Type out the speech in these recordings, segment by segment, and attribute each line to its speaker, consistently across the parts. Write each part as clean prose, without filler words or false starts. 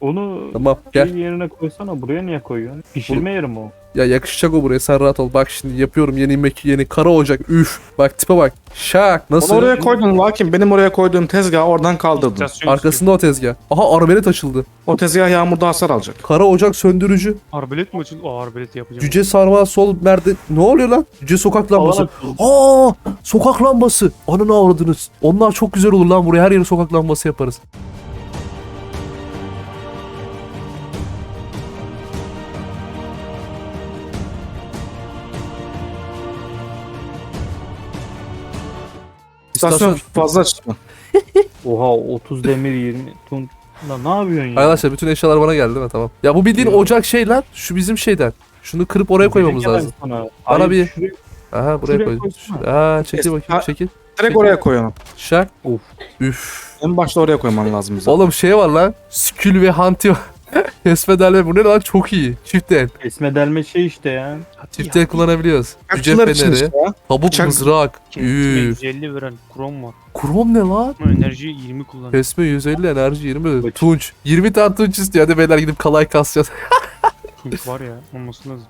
Speaker 1: Onu
Speaker 2: Tamam gel.
Speaker 1: yerine koysana. Buraya niye koyuyorsun? Pişirme yeri mi o?
Speaker 2: Ya yakışacak o buraya, sen rahat ol. Bak şimdi yapıyorum yeni kara ocak. Üf. Bak tipe bak. Şak.
Speaker 3: Onu
Speaker 2: Nasıl?
Speaker 3: oraya koydun Lakin benim oraya koyduğum tezgahı oradan kaldırdın.
Speaker 2: Arkasında o tezgah. Aha arbelet açıldı.
Speaker 3: O tezgah yağmurda hasar alacak.
Speaker 2: Kara ocak söndürücü.
Speaker 4: Arbelet mi açıldı? Aa arbelet yapacağım.
Speaker 2: Cüce sarmal sol merde. Ne oluyor lan? Cüce sokak lambası. Aa! Sokak lambası. Ananı avradınız. Onlar çok güzel olur lan, buraya her yere sokak lambası yaparız.
Speaker 3: İstasyon fazla açma.
Speaker 1: Oha 30 demir 20 ton. Lan ne yapıyorsun ya?
Speaker 2: Arkadaşlar bütün eşyalar bana geldi değil mi? Tamam. Ya bu bildiğin ocak şey lan. Şu bizim şeyden. Şunu kırıp oraya koymamız lazım. Bana bir- Aha buraya
Speaker 1: Şuraya
Speaker 2: koy.
Speaker 1: koysana.
Speaker 2: Aa çekil bakayım,
Speaker 3: Ha-
Speaker 2: çekil.
Speaker 3: Direkt oraya koyalım.
Speaker 2: Şak.
Speaker 1: Of.
Speaker 2: Üf.
Speaker 3: En başta oraya koyman lazım bize.
Speaker 2: Oğlum şey var lan. Skül ve Hanti var. Kesmedelme bu ne lan, çok iyi. Çift el.
Speaker 1: Kesme delme şey işte ya.
Speaker 2: Çift el kullanabiliyoruz. Cüce
Speaker 3: Kaççılar için
Speaker 2: feneri.
Speaker 3: işte ya.
Speaker 2: Kabuk
Speaker 3: Bıçak-
Speaker 2: mızrak.
Speaker 4: Kesme
Speaker 2: Üf.
Speaker 4: 150 veren krom var.
Speaker 2: Krom ne lan?
Speaker 4: Ama enerji 20 kullanıyor.
Speaker 2: Kesme 150, enerji 20.
Speaker 1: Bıçak.
Speaker 2: Tunç. 20 tane tunç istiyor. Hadi beyler gidip kalay kasacağız.
Speaker 4: Çünkü var ya olması lazım.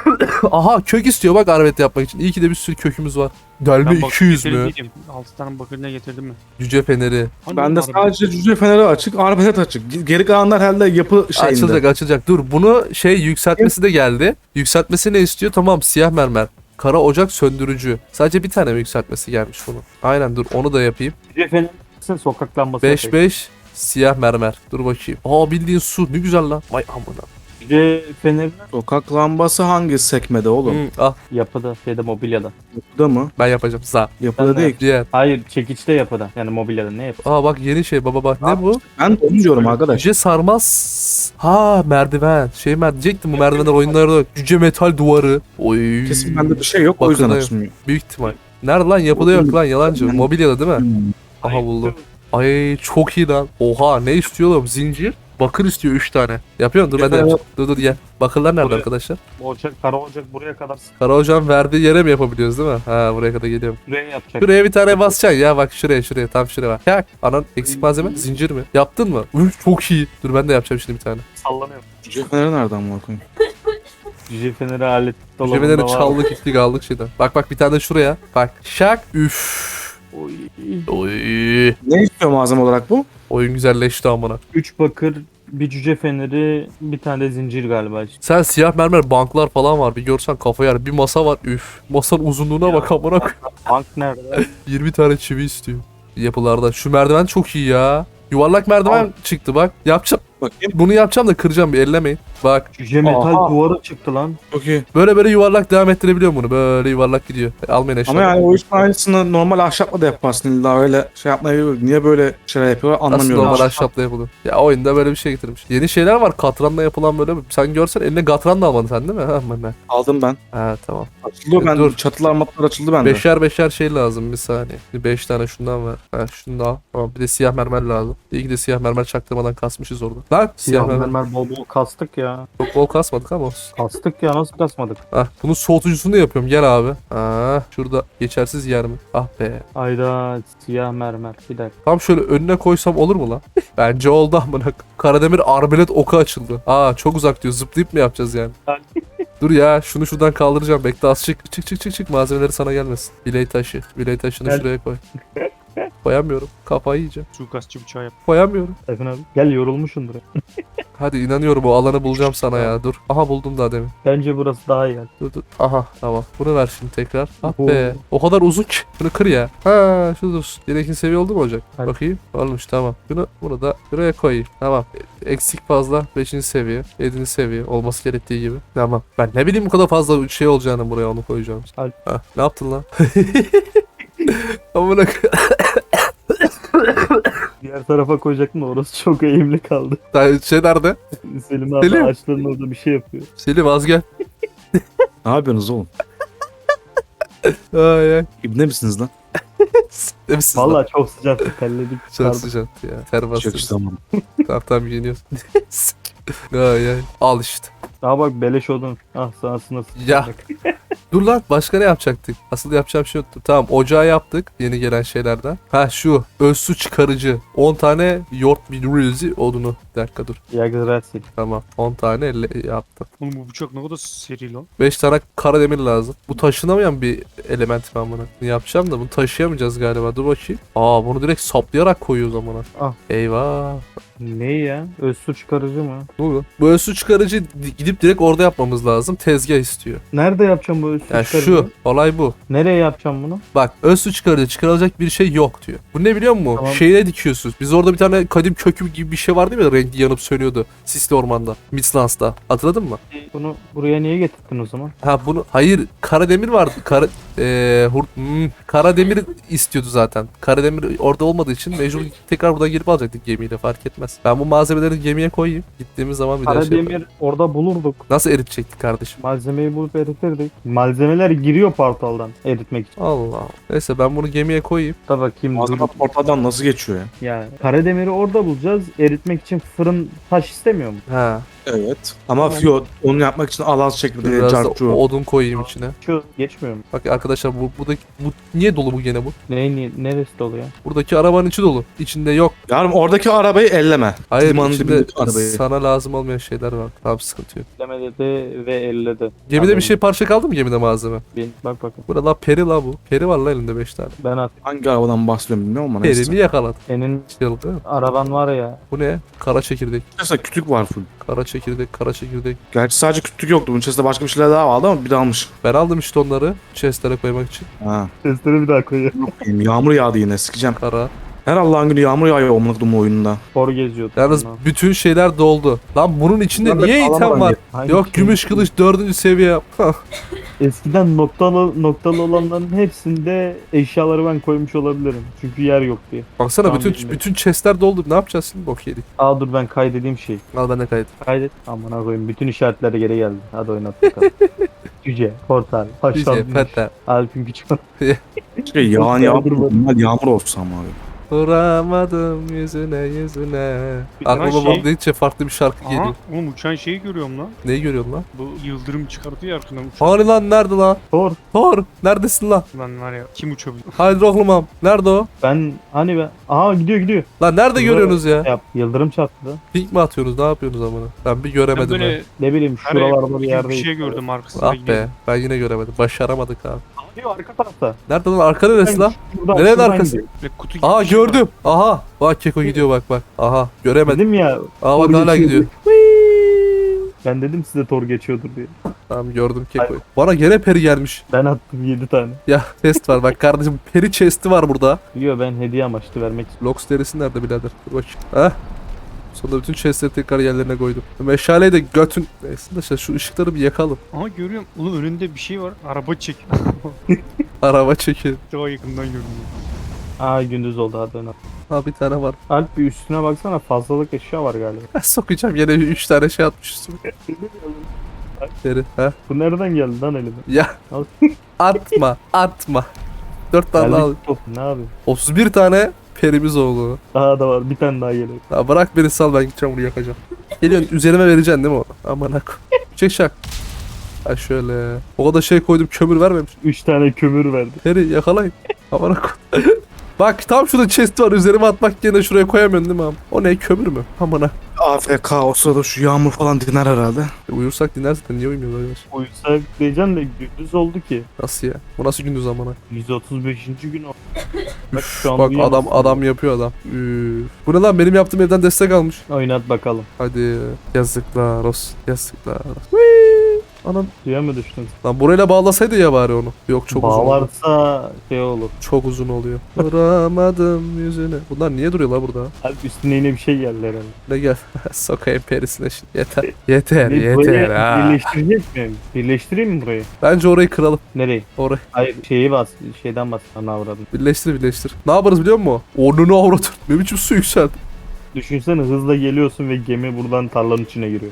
Speaker 2: Aha kök istiyor bak arbelet yapmak için. İyi ki de bir sürü kökümüz var. Delme
Speaker 4: Ben bakır
Speaker 2: 200
Speaker 4: getirdim
Speaker 2: mü?
Speaker 4: diyeceğim. 6 tane bakır ne getirdim mi?
Speaker 2: Cüce feneri.
Speaker 4: Hani
Speaker 3: Bende
Speaker 4: arbelet-
Speaker 3: sadece cüce feneri açık, arbelet açık. Geri kalanlar herhalde yapı şeyinde.
Speaker 2: Açılacak. Dur bunu şey yükseltmesi de geldi. Yükseltmesi ne istiyor? Tamam siyah mermer. Kara ocak söndürücü. Sadece bir tane mi yükseltmesi gelmiş bunun? Aynen dur onu da yapayım.
Speaker 1: Cefenin sokak lambası.
Speaker 2: 5-5 siyah mermer. Dur bakayım. Aa bildiğin su. Ne güzel lan. Vay amına.
Speaker 1: Cüce fenerinin
Speaker 3: Sokak lambası hangi sekmede oğlum?
Speaker 2: Ah
Speaker 1: yapıda şeyde mobilyada.
Speaker 3: Yapıda mı?
Speaker 2: ben yapacağım. Za.
Speaker 3: Yapıda
Speaker 1: Ben de-
Speaker 3: değil.
Speaker 2: Diğer.
Speaker 1: Hayır çekiçte yapıda. Yani mobilyada ne yapı?
Speaker 2: Aa bak yeni şey baba bak. Ne bu?
Speaker 3: Ben de onu diyorum arkadaş.
Speaker 2: Cüce sarmaz. Ha merdiven. Şey diyecektim bu merdivenler oyunlarda yok. Cüce metal duvarı. Oy.
Speaker 3: Kesin bende bir şey yok o yüzden
Speaker 2: Bakın,
Speaker 3: açılmıyor.
Speaker 2: Büyük ihtimal. Nerede lan? Yapıda yok lan yalancı. Mobilyada değil mi? Aha
Speaker 1: Ay,
Speaker 2: buldum. Ay çok iyi lan. Oha ne istiyor oğlum? Zincir. Bakır istiyor 3 tane. Yapıyorum dur ben de
Speaker 3: Evet.
Speaker 2: yapacağım. Dur gel. Bakırlar nerede
Speaker 1: Buraya.
Speaker 2: arkadaşlar?
Speaker 1: Ocak, kara ocak buraya kadar
Speaker 2: Kara hocam verdiği yere mi yapabiliyoruz değil mi? Ha buraya kadar geliyorum.
Speaker 1: şuraya yapacak.
Speaker 2: Şuraya bir tane basacaksın ya bak şuraya tam şuraya bak. Yak. Anan eksik malzeme zincir mi? Yaptın mı? Üf çok iyi. Dur ben de yapacağım şimdi bir tane.
Speaker 1: Sallanıyor.
Speaker 3: Cüce feneri nereden bakayım?
Speaker 1: Cüce feneri alet dolabında
Speaker 2: Cebeden
Speaker 1: var.
Speaker 2: çaldık gittik aldık şeyden. Bak bir tane de şuraya. Bak şak. Üf.
Speaker 1: Oy.
Speaker 2: Oy.
Speaker 3: Ne istiyor malzeme olarak bu?
Speaker 2: Oyun güzelleşti amına.
Speaker 1: 3 bakır, bir cüce feneri, bir tane de zincir galiba işte.
Speaker 2: Sen siyah mermer banklar falan var. Bir görsen kafa yer. Bir masa var. Üf. Masanın uzunluğuna bak amına koy.
Speaker 1: Bank nerede?
Speaker 2: 20 tane çivi istiyor. Yapılarda. Şu merdiven çok iyi ya. Yuvarlak merdiven çıktı bak. Yapacağım.
Speaker 3: Bakayım.
Speaker 2: Bunu yapacağım da kıracağım bir ellemeyin. Bak.
Speaker 1: Cüce metal
Speaker 3: Aha.
Speaker 1: duvarı çıktı lan.
Speaker 3: Çok iyi.
Speaker 2: Böyle yuvarlak devam ettirebiliyorum bunu. Böyle yuvarlak gidiyor. Almayın eşyaları.
Speaker 3: Ama yani o işin aynısını normal ahşapla da yaparsın illa öyle şey yapmayı niye böyle şeyler yapıyorlar
Speaker 2: Nasıl
Speaker 3: anlamıyorum.
Speaker 2: normal ahşapla yapılıyor. Ya oyunda böyle bir şey getirmiş. Yeni şeyler var. Katranla yapılan böyle. Sen görsen eline katran da almadın sen değil mi? Ha, ben.
Speaker 3: Aldım ben.
Speaker 2: Ha tamam.
Speaker 3: Açıldı ben.
Speaker 2: Dur.
Speaker 3: Çatılar matlar açıldı bende.
Speaker 2: Beşer şey lazım bir saniye. 5 tane şundan ver. Ha şunu da al. Tamam bir de siyah mermer lazım. İyi ki de siyah mermer çaktırmadan kasmışız orada. Lan siyah mermer.
Speaker 1: Mermer bol bol kastık ya.
Speaker 2: Çok bol kasmadık ama olsun.
Speaker 1: Kastık ya nasıl kasmadık?
Speaker 2: Ah bunun soğutucusunu da yapıyorum. Gel abi. Ah şurada geçersiz yer mi? Ah be.
Speaker 1: Ayda siyah mermer. Bir dakika.
Speaker 2: Tam şöyle önüne koysam olur mu lan? Bence oldu amına. Karademir arbelet oku açıldı. Aa çok uzak diyor. Zıplayıp mı yapacağız yani? Dur ya şunu şuradan kaldıracağım. Bekle az çık. Çık. Malzemeleri sana gelmesin. Biley taşı. Biley taşını
Speaker 1: Gel.
Speaker 2: şuraya koy. Koyamıyorum. Kafayı yiyeceğim.
Speaker 4: Suikastçı bıçağı yap.
Speaker 2: Koyamıyorum.
Speaker 1: Efendim abi. Gel yorulmuşsundur.
Speaker 2: Hadi inanıyorum o alanı bulacağım sana ya. Dur. Aha buldum daha demin.
Speaker 1: Bence burası daha iyi.
Speaker 2: Dur. Aha tamam. Bunu ver şimdi tekrar. Ah
Speaker 1: Oo.
Speaker 2: be. O kadar uzun ki. Bunu kır ya. Ha şu dursun. Yine ikinci seviye oldu mu olacak?
Speaker 1: Hadi.
Speaker 2: Bakayım. Olmuş tamam. Bunu da buraya koyayım. Tamam. Eksik fazla. 5. seviye. 7. seviye. Olması gerektiği gibi. Tamam. Ben ne bileyim bu kadar fazla şey olacağını buraya onu koyacağım.
Speaker 1: Hadi.
Speaker 2: Ha, ne yaptın lan? Amına
Speaker 1: Diğer tarafa koyacaktım da orası çok eğimli kaldı.
Speaker 2: şey nerede?
Speaker 1: Selim abi
Speaker 2: Selim.
Speaker 1: ağaçların orada bir şey yapıyor.
Speaker 2: Selim az gel.
Speaker 3: Ne yapıyorsunuz oğlum?
Speaker 2: Ay ay.
Speaker 3: İbne misiniz lan?
Speaker 2: Ne misin lan?
Speaker 1: Vallahi çok sıcaktı terledik.
Speaker 2: Çok
Speaker 1: çıkardık.
Speaker 2: sıcaktı ya. Ter
Speaker 3: Çok
Speaker 2: bastı.
Speaker 3: işte tamam.
Speaker 2: Tamam giyiniyorsun. Ay ay. Al işte.
Speaker 1: Daha bak beleş odun. Ah sana sınırsız.
Speaker 2: Ya. Dur lan, başka ne yapacaktık? Asıl yapacağım şey yoktu. Tamam, ocağı yaptık yeni gelen şeylerden. Ha şu öz su çıkarıcı. 10 tane yoğurt bilirizi odunu. Bir dakika dur.
Speaker 1: Yagzrasil.
Speaker 2: Tamam, 10 tane yaptım.
Speaker 4: Oğlum bu bıçak ne kadar seri lan.
Speaker 2: 5 tane kara demir lazım. Bu taşınamayan bir element ben bunu. Yapacağım da bunu taşıyamayacağız galiba. Dur bakayım. Aa, bunu direkt saplayarak koyuyoruz amına.
Speaker 1: Ah.
Speaker 2: Eyvah.
Speaker 1: Ne ya? Öz su çıkarıcı mı?
Speaker 2: Ne oluyor? Bu öz su çıkarıcı gidip direkt orada yapmamız lazım. Tezgah istiyor.
Speaker 1: Nerede yapacağım bu öz su
Speaker 2: Yani
Speaker 1: çıkarıcı?
Speaker 2: şu olay bu.
Speaker 1: Nereye yapacağım bunu?
Speaker 2: Bak, öz su çıkarıcı çıkarılacak bir şey yok diyor. Bu ne biliyor musun?
Speaker 1: Tamam.
Speaker 2: Şeyine dikiyorsunuz. Biz orada bir tane kadim kökü gibi bir şey vardı ya, renkli yanıp sönüyordu. Sisli ormanda. Midlands'ta. Hatırladın mı?
Speaker 1: Bunu buraya niye getirdin o zaman?
Speaker 2: Ha bunu, hayır, Karademir vardı. Karademir istiyordu zaten. Karademir orada olmadığı için mecbur tekrar buradan girip alacaktık gemiyle, fark etmez. Ben bu malzemeleri gemiye koyayım. Gittiğimiz zaman bir daha şey yaparım.
Speaker 1: Karademir orada bulurduk.
Speaker 2: Nasıl eritecektik kardeşim?
Speaker 1: Malzemeyi bulup eritirdik. Malzemeler giriyor portaldan eritmek için.
Speaker 2: Allah. Neyse, ben bunu gemiye koyayım.
Speaker 1: Da bakayım.
Speaker 3: Malzeme portaldan nasıl geçiyor ya?
Speaker 1: Yani Karademiri orada bulacağız. Eritmek için fırın taş istemiyor mu?
Speaker 2: Ha.
Speaker 3: Evet. Ama yo, onu yapmak için alaz çekirdeği,
Speaker 2: Biraz da
Speaker 3: carçu.
Speaker 2: odun koyayım içine.
Speaker 1: Şu geçmiyor mu?
Speaker 2: Bak arkadaşlar, bu niye dolu bu gene bu?
Speaker 1: Neresi dolu ya?
Speaker 2: Buradaki arabanın içi dolu. İçinde yok.
Speaker 3: Yarım oradaki arabayı elleme.
Speaker 2: Hayır,
Speaker 3: Limanın
Speaker 2: içinde
Speaker 3: dibindeki arabayı.
Speaker 2: sana lazım olmayan şeyler var. Tamam, sıkıntı yok.
Speaker 1: Lemede de ve elle de.
Speaker 2: Gemide bir şey parça kaldı mı, gemide malzeme?
Speaker 1: Bak bakın.
Speaker 2: Burada la peri la bu. Peri var la elinde 5 tane.
Speaker 1: Ben at.
Speaker 3: Hangi arabadan bahsediyorum bilmiyorum ama
Speaker 2: Peri
Speaker 3: neyse.
Speaker 2: mi yakaladı?
Speaker 1: Senin
Speaker 2: Şey oldu değil mi?
Speaker 1: araban var ya.
Speaker 2: Bu ne? Kara çekirdek.
Speaker 3: Mesela kütük var full.
Speaker 2: Kara çekirdek, kara çekirdek.
Speaker 3: Gerçi sadece kütük yoktu. Bunun içerisinde başka bir şeyler daha vardı ama bir de almış.
Speaker 2: Ben aldım işte onları chestlere koymak için.
Speaker 3: Ha.
Speaker 1: Sesleri bir daha koyuyorum.
Speaker 3: Yağmur yağdı yine, sikeceğim.
Speaker 2: Kara.
Speaker 3: Her Allah'ın günü yağmur yağıyor omluk oyununda.
Speaker 1: Spor geziyordu.
Speaker 2: Yalnız bütün şeyler doldu. Lan bunun içinde
Speaker 3: Bunlar da
Speaker 2: niye item
Speaker 3: sağlam
Speaker 2: var?
Speaker 3: bence.
Speaker 1: Hangi
Speaker 2: Yok,
Speaker 1: şey?
Speaker 2: gümüş kılıç 4. seviye. Hah.
Speaker 1: Eskiden noktalı olanların hepsinde eşyaları ben koymuş olabilirim. Çünkü yer yok diye.
Speaker 2: Baksana,
Speaker 1: Tamam,
Speaker 2: bütün
Speaker 1: bilmiyorum.
Speaker 2: bütün chestler doldu. Ne yapacağız şimdi? Bok yedik.
Speaker 1: Aa dur ben kaydedeyim şey.
Speaker 2: Al, ben de kayıt.
Speaker 1: Kaydet. Aman koyayım. Bütün işaretler geri geldi. Hadi oynat bakalım. Cüce, portal,
Speaker 2: Dice,
Speaker 1: haşlanmış,
Speaker 2: fete.
Speaker 1: Alp'in küçük.
Speaker 3: Şey yağan yağmur. Bunlar yağmur olsa ama abi.
Speaker 2: Vuramadım yüzüne. Aklıma
Speaker 4: şey-
Speaker 2: bak dedikçe farklı bir şarkı
Speaker 4: Aha,
Speaker 2: geliyor.
Speaker 4: oğlum uçan şeyi görüyorum lan.
Speaker 2: Neyi görüyorsun lan?
Speaker 4: Bu yıldırım çıkartıyor ya arkadan uçan.
Speaker 2: Hani lan, nerede lan?
Speaker 1: Thor.
Speaker 2: Thor, neredesin lan?
Speaker 4: Lan var ya kim uçabilir?
Speaker 2: Haydi oğlum, nerede o?
Speaker 1: Ben. Aha gidiyor.
Speaker 2: Lan nerede görüyorsunuz ya?
Speaker 1: Yap. Yıldırım çarptı.
Speaker 2: Pink mi atıyorsunuz? Ne yapıyorsunuz amına? Ben bir
Speaker 4: Ben
Speaker 2: göremedim
Speaker 4: böyle
Speaker 2: ya.
Speaker 1: Ne bileyim
Speaker 4: hani
Speaker 1: şuralarda bir yerde.
Speaker 4: bir şey gördüm arkasında
Speaker 2: Ah
Speaker 4: gidiyor.
Speaker 2: be, ben yine göremedim. Başaramadık abi.
Speaker 1: Gidiyor arka tarafta.
Speaker 2: Nerede lan? Arka neresi lan?
Speaker 1: Şuradan,
Speaker 2: Nerenin
Speaker 1: şuradan
Speaker 2: arkası?
Speaker 1: gidiyor.
Speaker 4: Ve kutu gibi
Speaker 2: Aa,
Speaker 4: bir şey var.
Speaker 2: gördüm. Aha. Bak Keko gidiyor, bak. Aha, göremedim.
Speaker 1: Dedim ya.
Speaker 2: Aa, bak
Speaker 1: Thor
Speaker 2: hala
Speaker 1: geçiyordu.
Speaker 2: gidiyor.
Speaker 1: Ben dedim size Thor geçiyordur diye.
Speaker 2: Tamam, gördüm Keko'yu. Bana gene peri gelmiş.
Speaker 1: Ben attım 7 tane.
Speaker 2: Ya chest var bak kardeşim. Peri chest'i var burada.
Speaker 1: Biliyor ben hediye amaçlı vermek istiyorum.
Speaker 2: Lox derisi nerede birader? Dur bakayım. Heh. Sonunda bütün chestleri tekrar yerlerine koydum. Meşaleyi de götün... Neyse de işte şu ışıkları bir yakalım.
Speaker 4: Aha görüyorum. Oğlum önünde bir şey var. Araba çekiyor.
Speaker 2: Araba çekin.
Speaker 4: Daha yakından gördüm.
Speaker 1: Aa gündüz oldu hadi oynat.
Speaker 2: Ha, bir tane var.
Speaker 1: Alp bir üstüne baksana fazlalık eşya var galiba.
Speaker 2: Sokacağım yine 3 tane şey atmış üstüme. Peri. Ha.
Speaker 1: Bu nereden geldi lan elime?
Speaker 2: Ya
Speaker 1: Al.
Speaker 2: atma. 4 tane al.
Speaker 1: Geldik top ne abi?
Speaker 2: 31 tane perimiz oldu.
Speaker 1: Daha da var bir tane daha geliyor.
Speaker 2: Ya bırak beni, sal, ben gideceğim bunu yakacağım. Geliyorsun üzerime vereceksin değil mi onu? Aman ak. Çek şak. Ha şöyle. O kadar şey koydum, kömür vermemiş.
Speaker 1: 3 tane kömür verdi.
Speaker 2: Peri yakalayın. Aman ak. Bak tam şurada chest var, üzerime atmak yerine şuraya koyamıyorsun değil mi abi? O ne, kömür mü? Aman ak.
Speaker 3: AFK o sırada şu yağmur falan diner herhalde.
Speaker 2: Uyursak dinler zaten, niye uyumuyoruz arkadaş?
Speaker 1: Uyusak diyeceğim de gündüz oldu ki.
Speaker 2: Nasıl ya? Bu nasıl gündüz amına?
Speaker 1: 135. gün o. Bak şu an
Speaker 2: Bak
Speaker 1: uyuyamazsın.
Speaker 2: adam yapıyor adam. Üf. Bu ne lan, benim yaptığım evden destek almış.
Speaker 1: Oynat bakalım.
Speaker 2: Hadi yazıklar olsun. Yazıklar olsun. Whee! Anam.
Speaker 1: Suya mı düştün?
Speaker 2: Lan burayla bağlasaydı ya bari onu. Yok, çok uzun oldu.
Speaker 1: Bağlarsa şey olur.
Speaker 2: Çok uzun oluyor. Vuramadım yüzüne. Bunlar niye duruyor la burada?
Speaker 1: Alp üstüne yine bir şey geldi herhalde.
Speaker 2: Ne gel. Sokayım perisine şimdi. Yeter. Yeter
Speaker 1: Burayı
Speaker 2: yeter ha.
Speaker 1: birleştirecek miyim? Birleştireyim mi burayı?
Speaker 2: Bence orayı kıralım.
Speaker 1: Nereye?
Speaker 2: Orayı.
Speaker 1: Hayır şeyi bas. Şeyden bas. Ana avradım.
Speaker 2: Birleştir. Ne yaparız biliyor musun? Onunu avratır. Ne biçim su yükseldi.
Speaker 1: Düşünsene hızla geliyorsun ve gemi buradan tarlanın içine giriyor.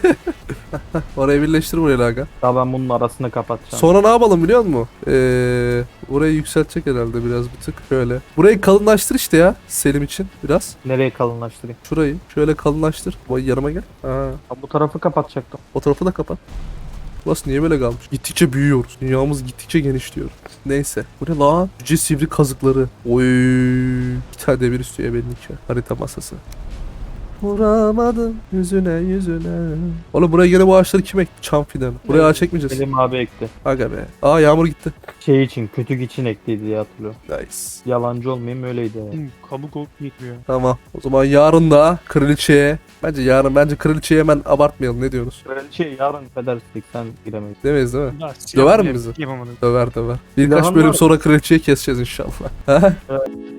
Speaker 2: Orayı birleştir buraya aga.
Speaker 1: Daha ben bunun arasını kapatacağım.
Speaker 2: Sonra ne yapalım biliyor musun? Orayı yükseltecek herhalde biraz bir tık. Şöyle. Burayı kalınlaştır işte ya. Selim için biraz.
Speaker 1: Nereye kalınlaştırayım?
Speaker 2: Şurayı şöyle kalınlaştır. Vay yanıma gel. Ha.
Speaker 1: Ha, bu tarafı kapatacaktım.
Speaker 2: O tarafı da kapat. Burası niye böyle kalmış? Gittikçe büyüyoruz. Dünyamız gittikçe genişliyor. Neyse. Bu ne lan? Cüce sivri kazıkları. Oy. Bir tane demir istiyor benimki. Harita masası. Vuramadım yüzüne yüzüne. Oğlum buraya gene bu ağaçları kim ekti? Çam fidanı. Buraya ağaç ekmeyeceğiz.
Speaker 1: Selim abi ekti.
Speaker 2: Aga be. Aa yağmur gitti.
Speaker 1: Şey için, kötük için ekliydi diye hatırlıyorum.
Speaker 2: Nice.
Speaker 1: Yalancı olmayayım öyleydi yani.
Speaker 4: Oğlum, kabuk olup yetmiyor.
Speaker 2: Tamam. O zaman yarın da kraliçeye. Bence kraliçeye hemen abartmayalım. Ne diyorsunuz?
Speaker 1: Şey yarın federsek sen giremeyiz.
Speaker 2: Demeyiz değil mi?
Speaker 4: Ya,
Speaker 2: Döver mi
Speaker 4: silah
Speaker 2: bizi?
Speaker 4: Yapamadım.
Speaker 2: Döver. Birkaç
Speaker 1: Silahın
Speaker 2: bölüm
Speaker 1: var.
Speaker 2: sonra kraliçeyi keseceğiz inşallah.